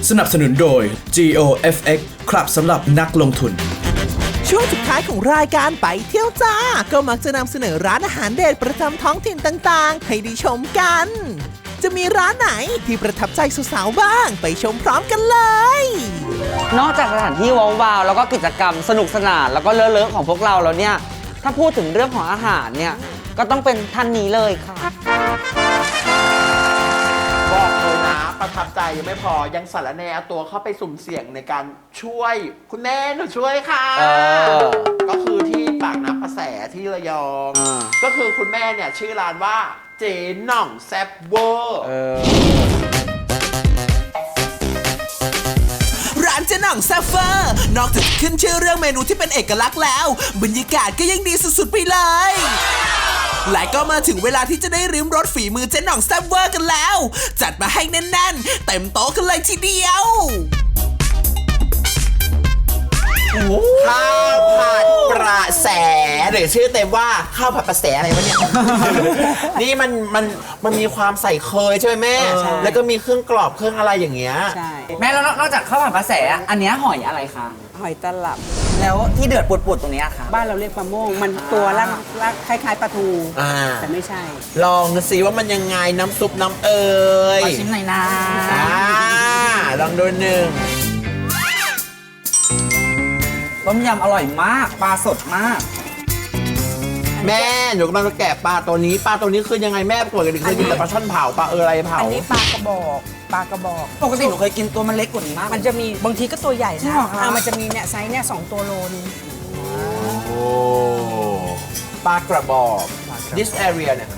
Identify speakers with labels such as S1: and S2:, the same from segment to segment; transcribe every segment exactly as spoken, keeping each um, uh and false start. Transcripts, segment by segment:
S1: สนับสนุนโดย จี โอ เอฟ เอ็กซ์ ครับสำหรับนักลงทุน
S2: ช่วงสุดท้ายของรายการไปเที่ยวจ้าก็มักจะนำเสนอร้านอาหารเด็ดประจำท้องถิ่นต่างๆให้ได้ชมกันจะมีร้านไหนที่ประทับใจสาวๆบ้างไปชมพร้อมกันเลย
S3: นอกจากสถานที่ว้าวๆแล้วก็กิจกรรมสนุกสนานแล้วก็เลอะๆของพวกเราแล้วเนี่ยถ้าพูดถึงเรื่องของอาหารเนี่ยก็ต้องเป็นท่านนี้เลยค่ะ
S4: บอกเลยนะประทับใจยังไม่พอยังสารแนเอาตัวเข้าไปสุ่มเสี่ยงในการช่วยคุณแม่หนูช่วยค่ะก็คือที่ปากน้ำประแสที่ระยองก็คือคุณแม่เนี่ยชื่อร้านว่าเจ๊หน่องแซ่บเวอร์
S2: ร้านเจ๊หน่องแซ่บเวอร์นอกจากขึ้นชื่อเรื่องเมนูที่เป็นเอกลักษณ์แล้วบรรยากาศก็ยังดีสุดๆไปเลยและก็มาถึงเวลาที่จะได้ริมรสฝีมือเจ๊หน่องแซ่บเวอร์กันแล้วจัดมาให้แน่นๆเต็มโต๊ะกันเลยทีเดียว
S4: ข้าวผัดประแสหรือชื่อเต็มว่าข้าวผัดประแสอะไรวะเนี่ย นี่มันมันมันมีความใส่เคยใช่ไหมแม่แล้วก็มีเครื่องกรอบเครื่องอะไรอย่างเงี้ย
S3: ใช่แม่แล้วนอกจากข้าวผัดประแสอันนี้หอยอะไรคะ
S5: หอยตลับ
S3: แล้วที่เดือดปุดๆตรงนี้ค่ะ
S5: บ้านเราเรียกปลาโม่งมันตัวลักลักคล้ายๆปลาทูแต่ไม่ใช่
S4: ลองดูสิว่ามันยังไงน้ำซุปน้ำเอ๋ย
S3: ขอชิมหน่อยนะ
S4: ลองดูหนึ่ง
S3: ต้มยำอร่อยมากปลาสดมาก
S4: แม่หนูกำลังจะแกะปลาตัวนี้ปลาตัวนี้คือยังไงแม่ปกติเคยกินแต่ปลาช่อนเผาปลาเอออะไรเผา
S5: อันนี้ปลากระบอกปลากระบอก
S3: ปกติหนูเคยกินตัวมันเล็กกว่านี้มาก
S5: มันจะมีบางทีก็ตัวใหญ่นะอ่ามันจะมีเนี่ยไซส์เนี่ยสองตัวโลนึง
S4: โอ้ปลากระบอก this area เนี่ย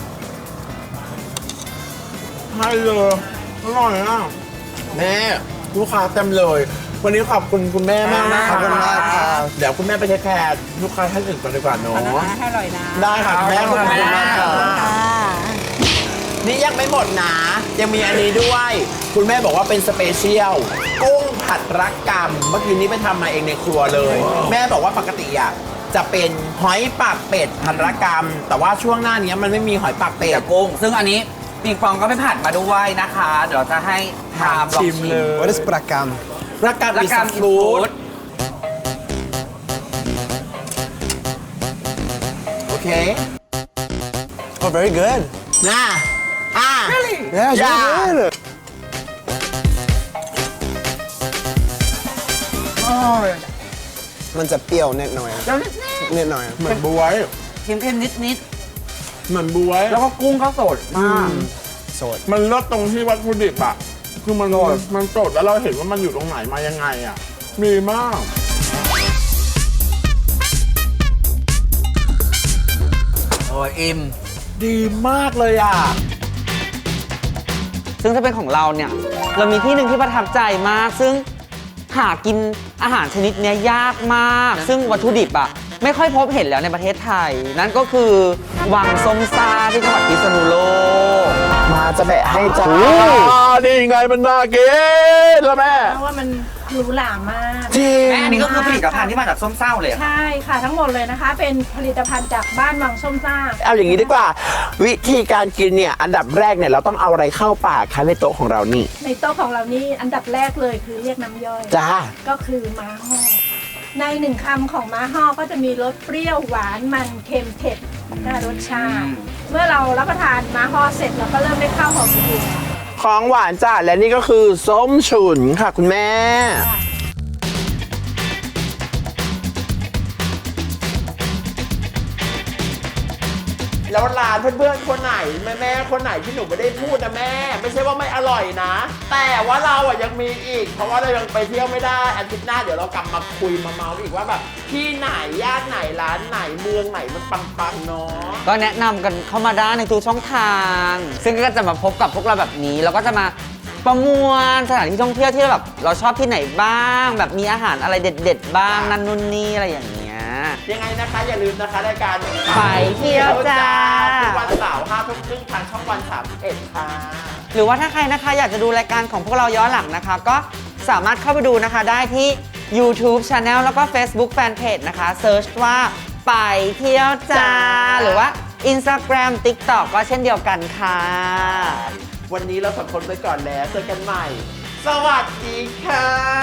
S4: ให้เลยอร่อยอ่ะแม่ลูกค้าเต็มเลยวันนี้ขอบคุณคุณแม่มากนะขอบคุณมากครับเดี๋ยวคุณแม่ไปเทคแคร์ลูกค้าท่านอื่นก่อนดีกว่าเนาะ
S5: ให้อร่อยนะ
S4: ได้ค่ะแม่ขอบคุณมากค่ะนี่ยังไม่หมดนะยังมีอันนี้ด้วยคุณแม่บอกว่าเป็นสเปเชียลกุ้งผัดรักกรรมเมื่อกี้นี้ไปทำมาเองในครัวเลยแม่บอกว่าปกติอ่ะจะเป็นหอยปากเป็ดผัดรักกรรมแต่ว่าช่วงหน้านี้มันไม่มีหอยปากเป็ด
S3: กับกุ้งซึ่งอันนี้ปิงปองก็ไปผัดมาด้วยนะคะเดี๋ยวจะให้ทามลองชิมเลย
S6: What is ปลากรรม
S4: รักกรรมอิสฟูดโอเค
S6: Oh very good
S4: น่าอ่า
S6: Really Yeah it's very good มันจะเปรี้ยวนิดหน่อยนิดหน่อย
S4: เหมือนบ๊วย
S3: เค็มๆนิด
S4: ๆเหมือนบ๊วย
S3: แล้วก็กุ้งก็สดมาก
S6: สด
S4: มันเลิศตรงที่วัตถุดิบอะคือมันมันสดแล้วเราเห็นว่ามันอยู่ตรงไหนมายังไงอ่ะมีมาก
S3: โอ้ยอิ่ม
S4: ดีมากเลยอ่ะ
S3: ซึ่งถ้าเป็นของเราเนี่ยเรามีที่หนึ่งที่ประทับใจมากซึ่งหากินอาหารชนิดนี้ยากมากซึ่งวัตถุดิบอ่ะไม่ค่อยพบเห็นแล้วในประเทศไทยนั่นก็คือวังส้มซ่าที่จังหวัดพิษณุโลก
S4: มาจะแบะให้จ้าดีไงมันน่ากินแล้วแม่
S7: เพราะว่ามันหรูหรามาก
S4: จริง
S3: แม่อันนี้ก็คือผลิตภัณฑ์ที่มาจากส้มซ่าเลย
S7: ใช่ค่ะทั้งหมดเลยนะคะเป็นผลิตภัณฑ์จากบ้านวังส้มซ่า
S4: เอาอย่างนี้ดีกว่าวิธีการกินเนี่ยอันดับแรกเนี่ยเราต้องเอาอะไรเข้าปากคะในโต๊ะของเรานี่
S7: ในโต๊ะของเรานี่อันดับแรกเลยคือเรียกน้ำย่อย
S4: จ้า
S7: ก็คือม้าห่อในหนึ่งคำของม้าห่อก็จะมีรสเปรี้ยวหวานมันเค็มเผ็ดห้ารสชาติเมื่อเรารับประทานม้าห่อเสร็จเราก็เริ่มได้ข้าวหอมกลิ่น
S4: ของหวานจ้าและนี่ก็คือส้มฉุนค่ะคุณแม่แล้วร้านเพื่อนๆคนไหนแม่แม่คนไหนที่หนูไม่ได้พูดนะแม่ไม่ใช่ว่าไม่อร่อยนะแต่ว่าเราอ่ะยังมีอีกเพราะว่าเรายังไปเที่ยวไม่ได้อาทิตย์หน้าเดี๋ยวเรากลับมาคุยมาเมาอีกว่าแบบที่ไหนย่านไหนร้านไหนเมืองไหนมันปังๆเนาะ
S3: ก็แนะนำกันเข้ามาได้ในทุกช่องทางซึ่งก็จะมาพบกับพวกเราแบบนี้แล้วก็จะมาประมวลสถานที่ท่องเที่ยวที่แบบเราชอบที่ไหนบ้างแบบมีอาหารอะไรเด็ดๆบ้างนั่นนู่นนี่อะไรอย่างเงี้ย
S4: ยังไงนะคะอย่าลืมนะคะรายการ
S3: ไปเที่ยวจ้า
S4: ทุกวันเสาร์ห้าทุ่มครึ่งทางช่องวันสามสิบเอ็ดค่ะ
S3: หรือว่าถ้าใครนะคะอยากจะดูรายการของพวกเราย้อนหลังนะคะก็สามารถเข้าไปดูนะคะได้ที่ YouTube Channel แล้วก็ Facebook Fanpage นะคะเซิร์ชว่าไปเที่ยวจ้าหรือว่า Instagram TikTok ก็เช่นเดียวกันค่ะ
S4: วันนี้เราสองคนไปก่อนแล้วเจอกันใหม่สสวัสดีค่ะ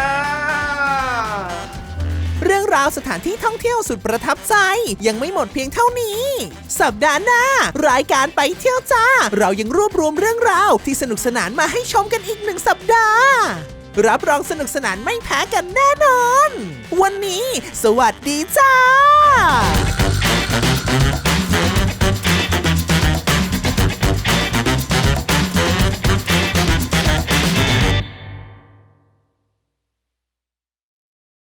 S2: เรื่องราวสถานที่ท่องเที่ยวสุดประทับใจยังไม่หมดเพียงเท่านี้ สัปดาห์หน้ารายการไปเที่ยวจ้าเรายังรวบรวมเรื่องราวที่สนุกสนานมาให้ชมกันอีกหนึ่งสัปดาห์รับรองสนุกสนานไม่แพ้กันแน่นอนวันนี้สวัสดีจ้า